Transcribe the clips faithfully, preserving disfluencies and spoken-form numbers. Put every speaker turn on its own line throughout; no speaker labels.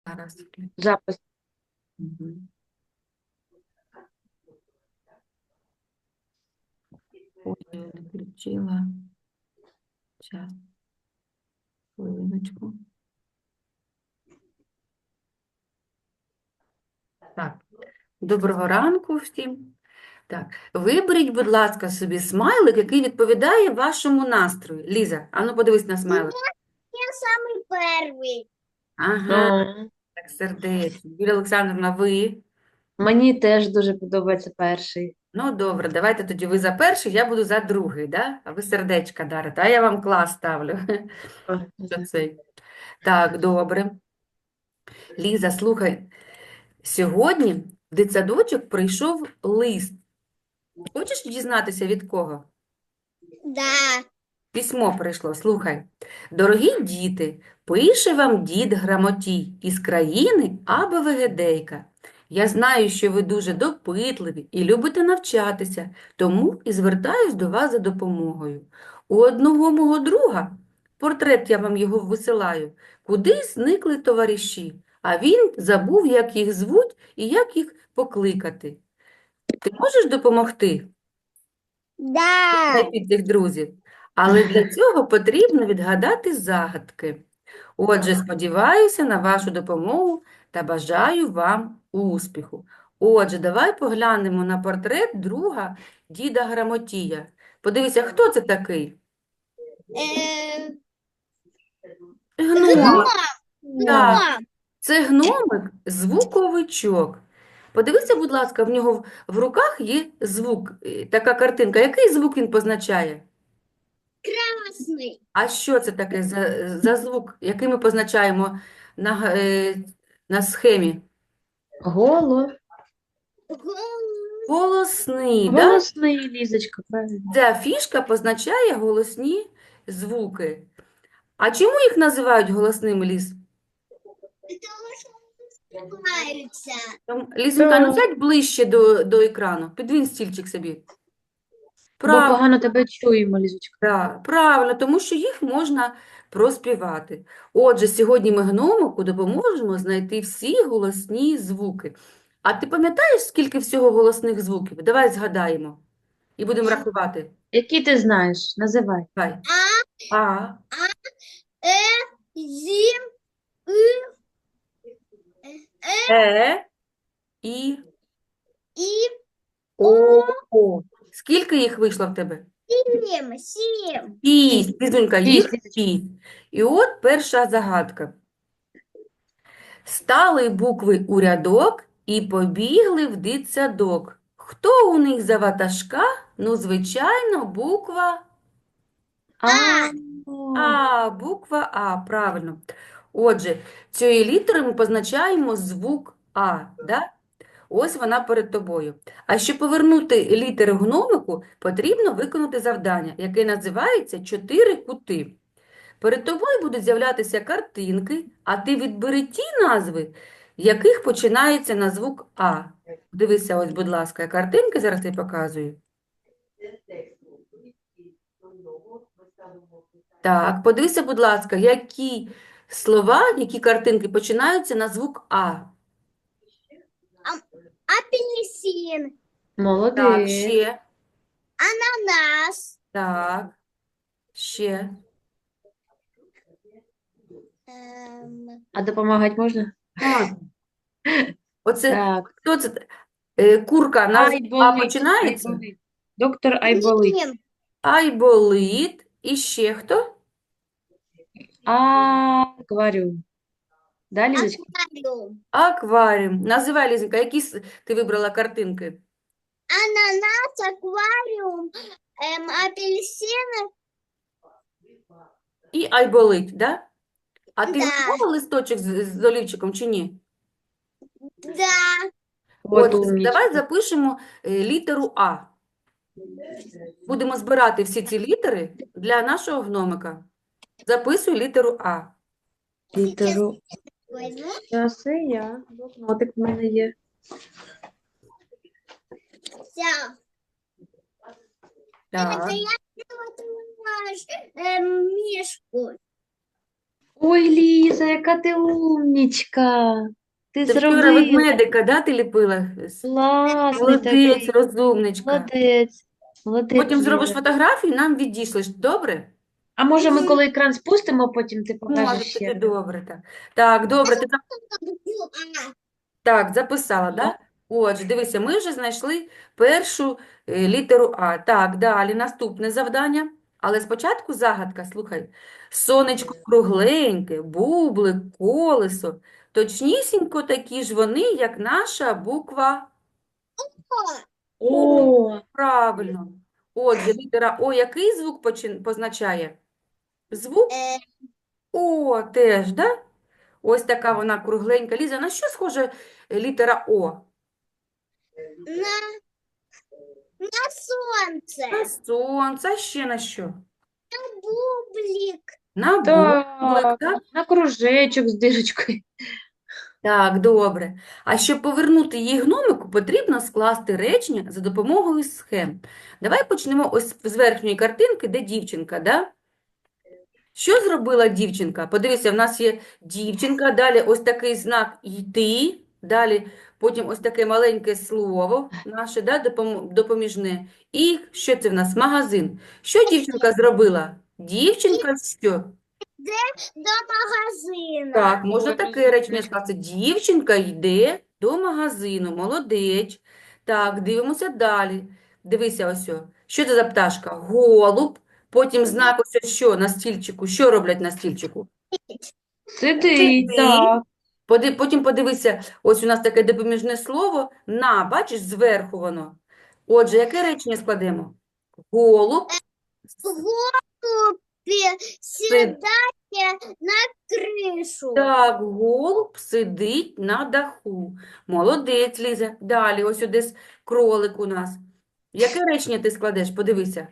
Зараз.
Запис.
Мгм. Ой, я не включила. Зараз, хвилиночку. Так, доброго ранку всім. Так, виберіть, будь ласка, собі смайлик, який відповідає вашому настрою. Ліза, ану подивись на смайлик.
Я самый первый.
Ага,
О,
так, сердечно. Юлія Олександровна, ви?
мені теж дуже подобається перший.
Ну, добре, давайте тоді ви за перший, я буду за другий, да? А ви сердечка дарите, а я вам клас ставлю.
О,
Що цей? Так, добре. Ліза, слухай, сьогодні в дитсадочок прийшов лист. Хочеш дізнатися від кого?
Да.
Письмо прийшло, слухай. Дорогі діти, пише вам дід Грамотій із країни Аби Вегедейка. Я знаю, що ви дуже допитливі і любите навчатися, тому і звертаюсь до вас за допомогою. У одного мого друга, портрет я вам його висилаю, кудись зникли товариші, а він забув, як їх звуть і як їх покликати. Ти можеш допомогти
Да.
знайти цих друзів? Але для цього потрібно відгадати загадки. Отже, сподіваюся на вашу допомогу та бажаю вам успіху. Отже, давай поглянемо на портрет друга діда Грамотія. Подивися, хто це такий?
Э,
Гномик. Так,
Гном.
це гномик звуковичок. Подивися, будь ласка, в нього в- в руках є звук, е, така картинка. Який звук він позначає?
Красный.
А що це таке за, за звук, який ми позначаємо на, г- е, на схемі?
Голо.
Гол-
Голосний, да?
Голосний, Лізочка, правильно.
Ця фішка позначає голосні звуки. А чому їх називають голосними, Ліз?
Потому что он успевается.
Там, Лізонька, ну
Так.
сядь ближче до, до екрану, підвінь стільчик собі.
Бо
Правильно,
погано тебе чуємо, Лізочка.
да, правильно, тому що їх можна проспівати. Отже, сьогодні ми гномику допоможемо знайти всі голосні звуки. А ти пам'ятаєш, скільки всього голосних звуків? Давай згадаємо і будемо рахувати.
Які ти знаєш? Називай.
Давай.
А,
А,
Э, Зим, И,
Е, І,
И,
О, О. Скільки їх вийшло в тебе?
Сим, Сим.
Шість. Лізонька, їх
Шість.
шість. І от перша загадка. Стали букви у рядок і побігли в дитсадок. Хто у них за ватажка? Ну, звичайно, буква
А,
А, буква А, правильно. Отже, цією літерою ми позначаємо звук А, да? Ось вона перед тобою. А щоб повернути літери гномику, потрібно виконати завдання, яке називається «Чотири кути». Перед тобою будуть з'являтися картинки, а ти відбери ті назви, яких починається на звук А. Дивися, ось, будь ласка, картинки зараз я показую. Так, подивися, будь ласка, які слова, які картинки починаються на звук А.
Апельсин,
Так,
молодець.
ще.
ананас,
Так, ще.
эм,
А допомагати можна?
Можна. Оце,
Так.
хто це? Е, Курка на звук А
Айболит.
починається?
Айболит. Доктор Айболит.
Ним,
Айболит. І ще хто?
Акваріум. Да, Лізочка?
аквариум,
Акваріум. Називай, Лізенька, які с- ти вибрала картинки?
ананас, аквариум, эм, апельсин,
І айболит, да? А ти
Да.
готувала листочок з, з олівчиком чи ні?
да,
От
Отже,
умнічка.
давай запишемо е, літеру А. Будемо збирати всі ці літери для нашого гномика. Записуй літеру А.
Літеру.
возьму,
Зараз і я. Блокнотик в мене є.
все.
Так.
Это я приготовила, эм, мишку.
Ой, Ліза, яка ти умнічка. Ти
Ти вчора
зробила.
ведмедика, да, ти ліпила?
Класний
Молодець,
такий.
розумничка.
Молодець. Молодець,
Потім зробиш
Ліза.
фотографію, нам відійшлеш. Добре?
А може ми коли екран спустимо, потім ти
Може,
покажеш ще
тоді
раз?
добре. Так, так добре. Ти
А,
Так, записала,
Да.
да? Отже, дивися, ми вже знайшли першу е, літеру А. Так, далі наступне завдання. Але спочатку загадка, слухай. Сонечко кругленьке, бублик, колесо. Точнісінько такі ж вони, як наша буква О.
О,
Правильно. Отже, літера О який звук почин- позначає? Звук
е,
О теж, да? Ось така вона кругленька. Ліза, на що схоже е, літера О?
на, на солнце.
На сонце, а ще на що?
Бублик.
На бублик,
так.
так?
На кружечок з дирочкою.
Так, добре. А щоб повернути її гномику, потрібно скласти речення за допомогою схем. Давай почнемо ось з верхньої картинки, де дівчинка, да? Що зробила дівчинка? Подивися, в нас є дівчинка, далі ось такий знак «йти», далі потім ось таке маленьке слово наше, да, допом- допоміжне. І що це в нас? Магазин. Що дівчинка зробила? Дівчинка що?
До магазина.
Так, можна
Ой,
таке речення
Ліза.
сказати. Дівчинка йде до магазину. Молодець. Так, дивимося далі. Дивися ось. о. Що це за пташка? Голуб. Потім знак ось що на стільчику. Що роблять на стільчику?
Сидить,
Сидить.
так.
Поди- Потім подивися, ось у нас таке допоміжне слово «на», бачиш, зверху воно. Отже, яке речення складемо? Голуб
В голубе
сидить.
сідає на кришу.
Так, голуб сидить на даху. Молодець, Ліза. Далі, ось десь кролик у нас. Яке речення ти складеш? Подивися.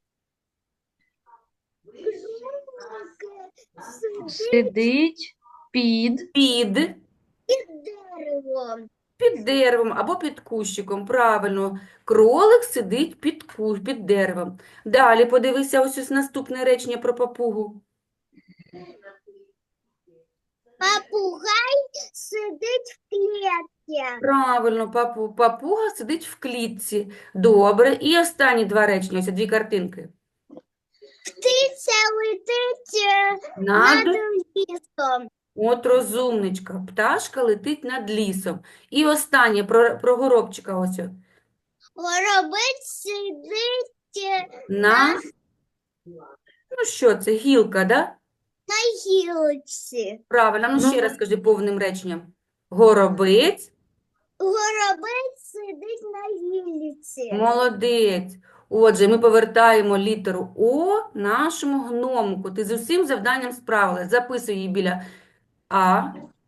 Сидить
Сидить під.
Під,
під деревом.
під деревом або під кущиком. Правильно. Кролик сидить під, ку- під деревом. Далі подивися ось ось наступне речення про папугу.
Попугай сидить в клітці.
Правильно, папу, папуга сидить в клітці. Добре. І останні два речення, ось дві картинки.
Птиця летить е,
Над,
над лісом.
от розумничка, пташка летить над лісом. І останнє про, про горобчика ось. о.
Горобець сидить е,
На, ну що це, гілка, да?
на гілці.
Правильно, ну ще
Ну.
раз скажи повним реченням. Горобець,
Горобець сидить на гілці.
молодець. Отже, ми повертаємо літеру О нашому гномику. Ти з усім завданням справилась. Записуй її біля А.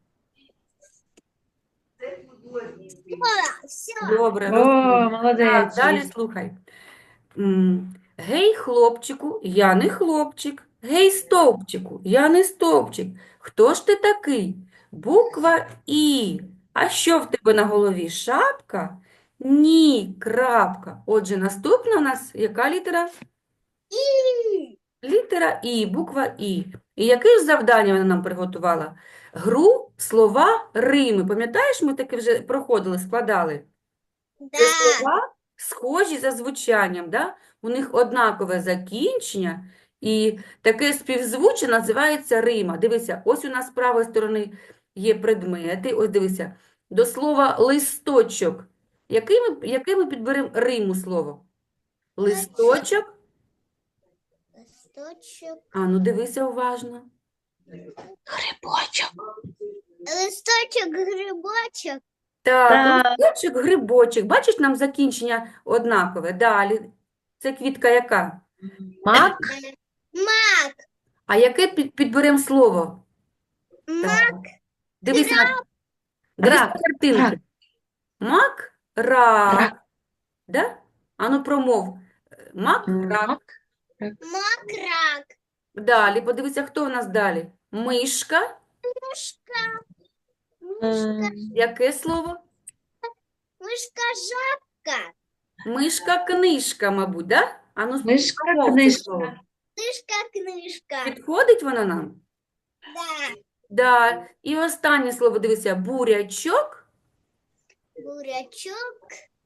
Все.
Добре,
О,
розумію. Так,
молодець,
далі
Ліза.
слухай. М, Гей, хлопчику, я не хлопчик. Гей, стовпчику, я не стовпчик. Хто ж ти такий? Буква І. А що в тебе на голові? Шапка? Ні, крапка. Отже, наступна у нас яка літера?
І.
Літера І, буква І. І яке ж завдання вона нам приготувала? Гру, слова, рими. Пам'ятаєш, ми таке вже проходили, складали? Це
Да.
слова схожі за звучанням, да? У них однакове закінчення, і таке співзвуччя називається рима. Дивися, ось у нас з правої сторони є предмети. Ось дивися, до слова листочок. Який ми, яке ми підберемо риму слово? Листочок.
Листочок.
А ну дивися уважно.
Грибочок.
Листочок, грибочок.
Так,
Так.
листочок, грибочок. Бачиш, нам закінчення однакове. Далі. Це квітка яка?
Мак.
Е, Мак.
А яке під, підберемо слово?
Мак.
Дивись на, дивись на
Рак.
картинки.
Рак.
Мак, рак.
Рак.
Да? Ану промов. Мак, рак.
Мак.
Мак, рак.
Далі, подивися, хто у нас далі? Мишка.
Мишка.
М,
Яке слово?
Мишка, жабка.
Мишка, книжка, мабуть, да? Ану
Мишка,
промов це
книжка.
слово.
Книжка, книжка.
Підходить вона нам?
Да.
Да. І останнє слово, дивися, бурячок.
Бурячок.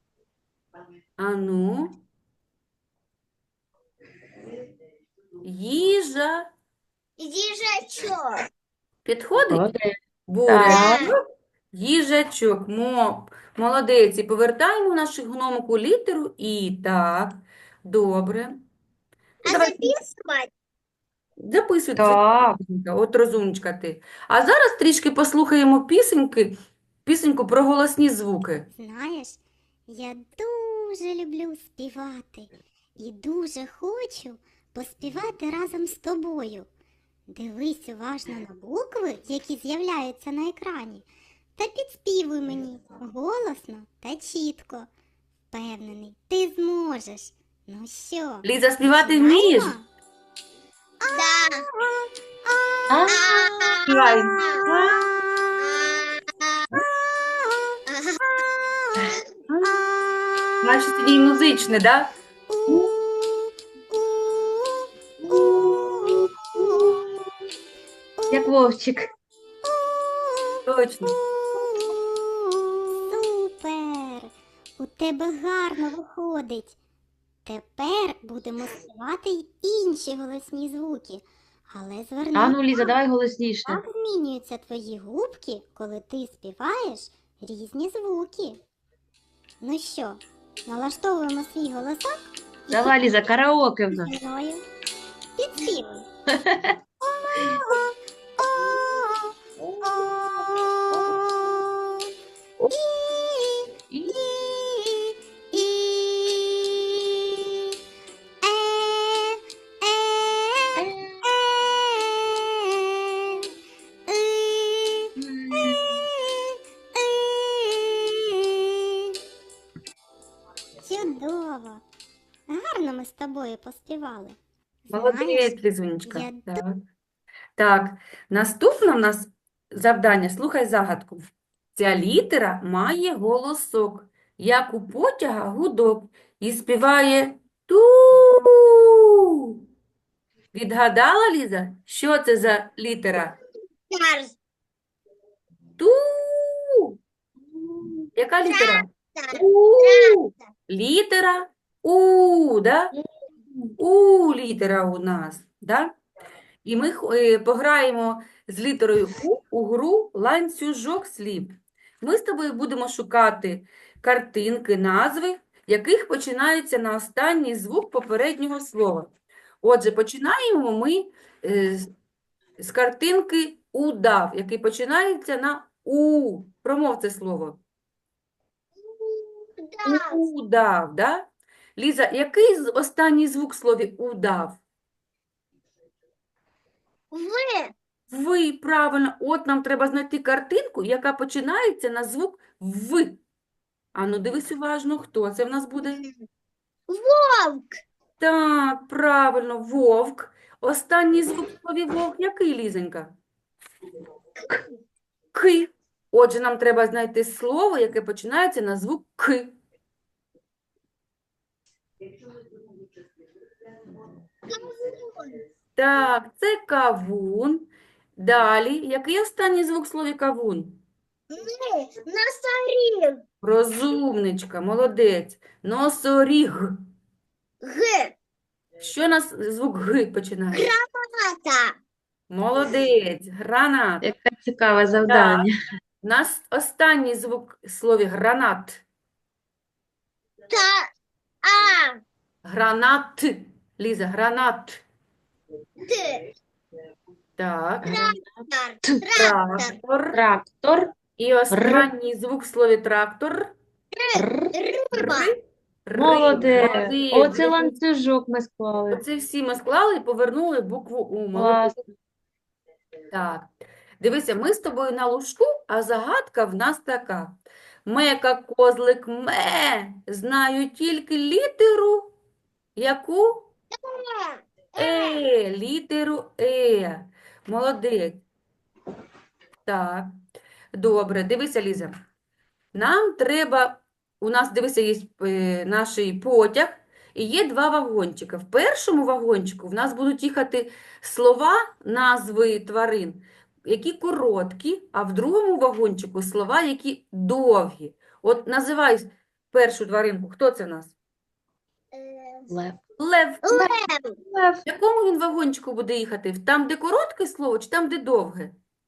Ану. Їжа.
Їжачок.
Підходить?
Молодець. Так.
Бурячок, їжачок. Мо, молодець. І повертаємо нашу гномику літеру І. Так, добре.
А
Давай
записувати?
записуйте,
Так.
записуйте. От розумничка ти. А зараз трішки послухаємо пісеньки, пісеньку про голосні звуки.
Знаєш, я дуже люблю співати і дуже хочу поспівати разом з тобою. Дивись уважно на букви, які з'являються на екрані, та підспівуй мені голосно та чітко. Впевнений, ти зможеш. Ну що,
Ліза, співати вмієш?
починаємо?
Да.
А,
Співай. Значить, сьогодні музичне, да?
як вовчик.
Точно.
Супер! У тебе гарно виходить. Тепер будемо співати й інші голосні звуки. Але зверни
А ну, Ліза, давай голосніше.
як змінюються твої губки, коли ти співаєш різні звуки. Ну що, налаштовуємо свій голосок і
Давай, Ліза, караоке в нас.
зі мною підспівуй. І,
І-
і, і, е, е, е, і, чудово! Гарно ми з тобою поспівали. Знаєш,
Молодець, Лізунечка.
я
Так. Так, наступне в нас завдання. Слухай загадку. Ця літера має голосок, як у потяга гудок, і співає ту. Відгадала, Ліза? Що це за літера?
Тарс.
Ту. Яка літера?
Тарс.
У. Літера У, да? У літера у нас, да? І ми х- е, пограємо з літерою У у гру ланцюжок слів. Ми з тобою будемо шукати картинки, назви, яких починаються на останній звук попереднього слова. Отже, починаємо ми е, з- з картинки удав, який починається на У. Промов це слово.
Тарс.
Удав, да? Ліза, який з- останній звук в слові удав?
В.
Ви, правильно. От нам треба знайти картинку, яка починається на звук В. Ану, дивись уважно, хто це в нас буде?
Вовк.
Так, правильно, вовк. Останній звук в слові вовк який, Лізонька? Ки. Отже, нам треба знайти слово, яке починається на звук К.
Кавун.
Так, це кавун. Далі, який останній звук в слові кавун?
Н. Носоріг.
Розумничка, молодець. Носоріг.
Г.
Що нас звук Г починає?
Тата.
Молодець, гранат.
Яке цікаве завдання.
У нас останній звук в слові гранат.
Та. А.
Гранат. Ліза, гранат.
Т.
Так,
Трактор.
Т.
Трактор.
трактор.
Трактор.
І останній звук в слові трактор.
Р.
Риба.
Ри. Ри.
Молодець.
Молодець.
Оце ланцюжок ми склали.
Оце всі ми склали і повернули букву У. Молодець.
Класно.
Так, дивися, ми з тобою на лужку, а загадка в нас така. Мека, козлик, ме, знаю тільки літеру, яку? Е, літеру Е. Молодець. Так, добре, дивися, Ліза. Нам треба, у нас, дивися, є е, наш потяг, і є два вагончика. В першому вагончику в нас будуть їхати слова, назви тварин, які короткі, а в другому вагончику слова, які довгі. От називай першу тваринку. Хто це в нас?
Е,
Лев.
Лев.
Лев.
Лев.
В якому він вагончику буде їхати? В Там, де коротке слово, чи там, де довге?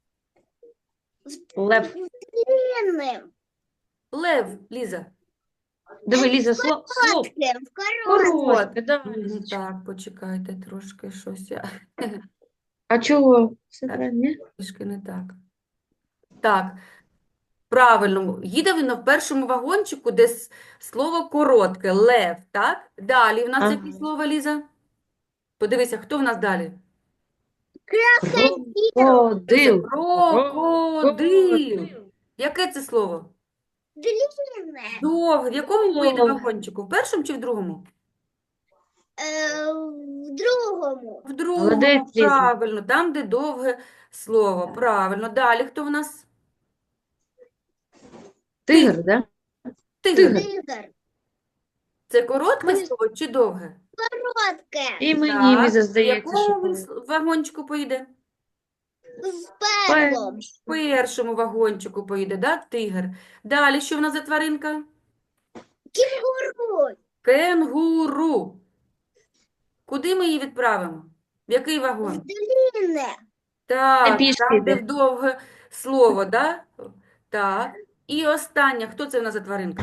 Лев.
Длинним.
Лев, Ліза.
Диви, Ліза, слово. Слово.
Коротким. Коротким.
Коротке, да.
Мгм, Так, почекайте трошки щось я
А чого? Все правильно, ні?
трішки не так. Так, правильно. Їде він в першому вагончику, де с- слово коротке, лев, так? Далі в нас
Ага.
яке слово, Ліза? Подивися, хто в нас далі?
Крокодил.
Крокодил. Яке це слово?
Длинне.
Довге. В якому поїде
Довге.
вагончику? В першому чи в другому?
Е, в другому.
В другому,
Молодець, Ліза.
правильно. Там, де довге слово. Правильно. Далі хто в нас?
Тигр, да?
Тигр.
Тигр.
Тигр.
Це коротке
Мені-
слово чи довге?
Коротке.
І мені,
Так.
Ліза,
В
здається, що
якому він
коли-
с- вагончику поїде?
В першому.
В першому вагончику поїде, да, тигр. Далі, що в нас за тваринка?
Кінгуру.
Кенгуру. Куди ми її відправимо? В який
В
вагон?
длинне.
Так,
пішки
там, де
йде.
в довге слово, да? Так. І остання, хто це в нас за тваринка?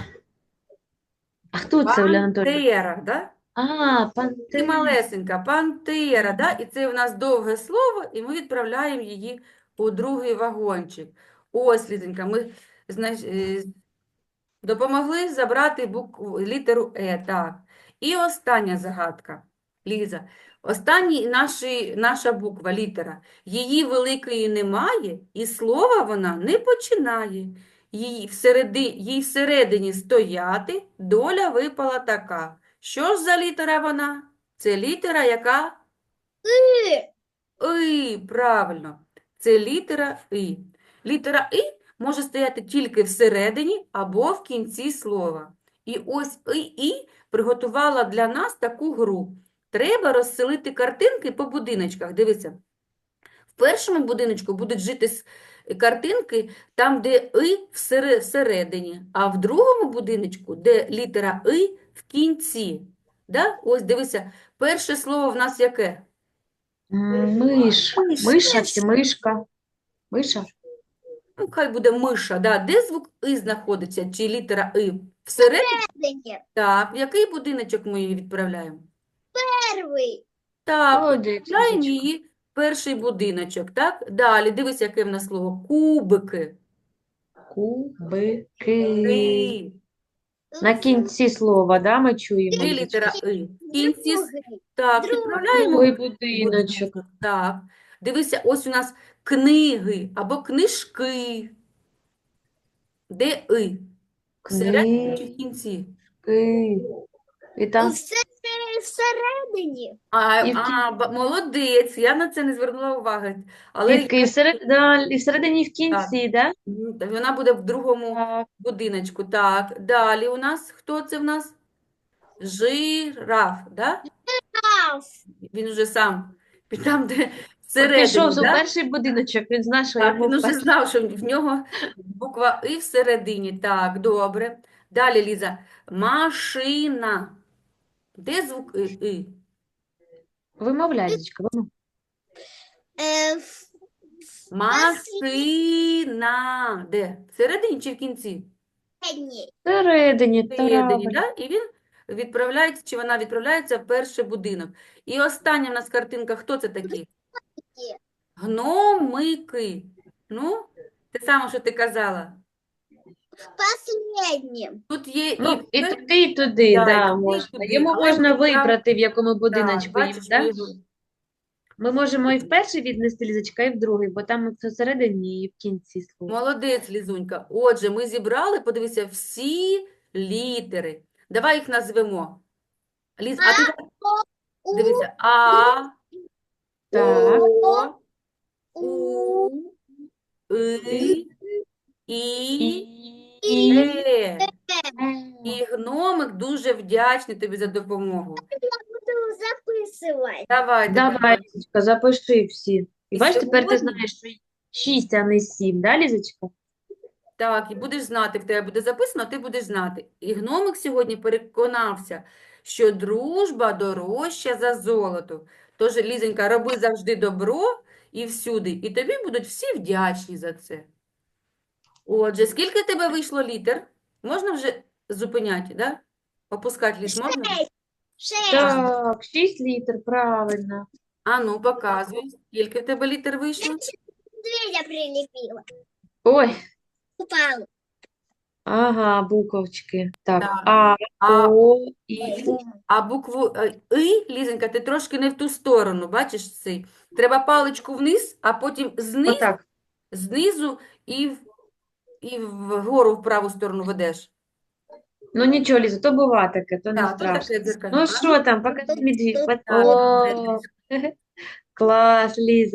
А хто це, Оля Анатолійовна?
Пантера, да?
А,
Ти
пантера.
малесенька, пантера, да? І це в нас довге слово, і ми відправляємо її у другий вагончик. Ось, Лізенька, ми знаєш, е, допомогли забрати букву, літеру Е, так. І остання загадка, Ліза. Останній наші, наша буква, літера. Її великої немає, і слова вона не починає. Їй всереди, їй всередині стояти, доля випала така. Що ж за літера вона? Це літера, яка?
И.
І, правильно. Це літера І. Літера І може стояти тільки всередині або в кінці слова. І ось І, І приготувала для нас таку гру. Треба розселити картинки по будиночках. Дивіться. В першому будиночку будуть жити с- картинки там, де І всере- всередині, а в другому будиночку, де літера І в кінці. Да? Ось дивися, перше слово в нас яке?
М, Миш.
Миш.
Миша чи мишка? Миша?
Ну, хай буде миша, да. Де звук І знаходиться, чи літера І? Всередині?
Всередині.
Так, в який будиночок ми її відправляємо?
Перший.
Так,
Молодець,
відправляємо
Лізочка.
її в перший будиночок, так? Далі, дивись, яке в нас слово. Кубики.
Кубики.
І.
На кінці слова, да, ми чуємо,
Де
Лізочка?
літера І? В кінці, с-
Другий.
так,
Другий.
відправляємо
Другий
в
будиночок.
будиночок. Так, дивися, ось у нас книги або книжки. Де І? Всередині чи в кінці?
Книжки. І там
Все всередині.
А,
І в
а, ба- молодець, я на це не звернула уваги. Але
Дітки, і всеред... да, і всередині, і в кінці, да?
м, та вона буде в другому
Так.
будиночку. Так, далі у нас, хто це в нас? Жираф, да?
Ав.
Він вже сам, там, де
Пішов
всередині,
у
да?
перший будиночок, він знає, що
Так,
йому
він уже
перший.
знав, що в нього буква І всередині. Так, добре. Далі, Ліза. Машина. Де звук І? І?
Вимовляй, Лізочка, вимовляй.
Е, в-
Машина. Де? Всередині чи в кінці?
Всередині.
Всередині,
Всередині,
правильно.
да? І він відправляється, чи вона відправляється в перший будинок. І остання в нас картинка, хто це такі? Гномики. Ну, те саме, що ти казала.
Последнім.
Тут є і
Ну, і
пер-
туди, і туди,
Да,
да,
і туди, і
можна.
туди.
Йому
Але
можна
ми відправ-
вибрати, в якому
Так,
будиночку їм,
бачиш,
да?
ми його-
Ми можемо і в перший віднести, Лізочка, і в другий, бо там все всередині і в кінці слова.
Молодець, Лізунька. Отже, ми зібрали, подивися, всі літери. Давай їх назвемо. Ліз, а ти
У.
дивися. А,
Так.
О,
У.
І, І,
І,
Е.
Е.
І гномик дуже вдячний тобі за допомогу.
Буду записувати.
Давай тепер.
Давай, Лізочка, запиши всі. І
І
бачиш, тепер ти
сьогодні-
знаєш, що шість, а не сім, да, Лізочка?
Так, і будеш знати, в тебе буде записано, ти будеш знати. І гномик сьогодні переконався, що дружба дорожча за золото. Тож, Лізонька, роби завжди добро і всюди, і тобі будуть всі вдячні за це. Отже, скільки в тебе вийшло літер? Можна вже зупиняти, да? Опускати ліс можна?
Шесть.
Так, шість літр, правильно.
А ну, показуй, скільки в тебе літер вийшло?
Медведя прилепила.
Ой,
Упал.
ага, буковочки. Так,
Так.
А,
А,
О, І, У.
а букву е, «и», Лізонька, ти трошки не в ту сторону, бачиш цей? Треба паличку вниз, а потім знизу,
Отак.
знизу і, в- і вгору в праву сторону ведеш.
Ну нічого, Ліза, то бува таке, то не
Так, то
страшно.
таке дзеркально.
Ну
А
що там, покажи медвідь.
Тут-
Так,
О, клас, Ліза.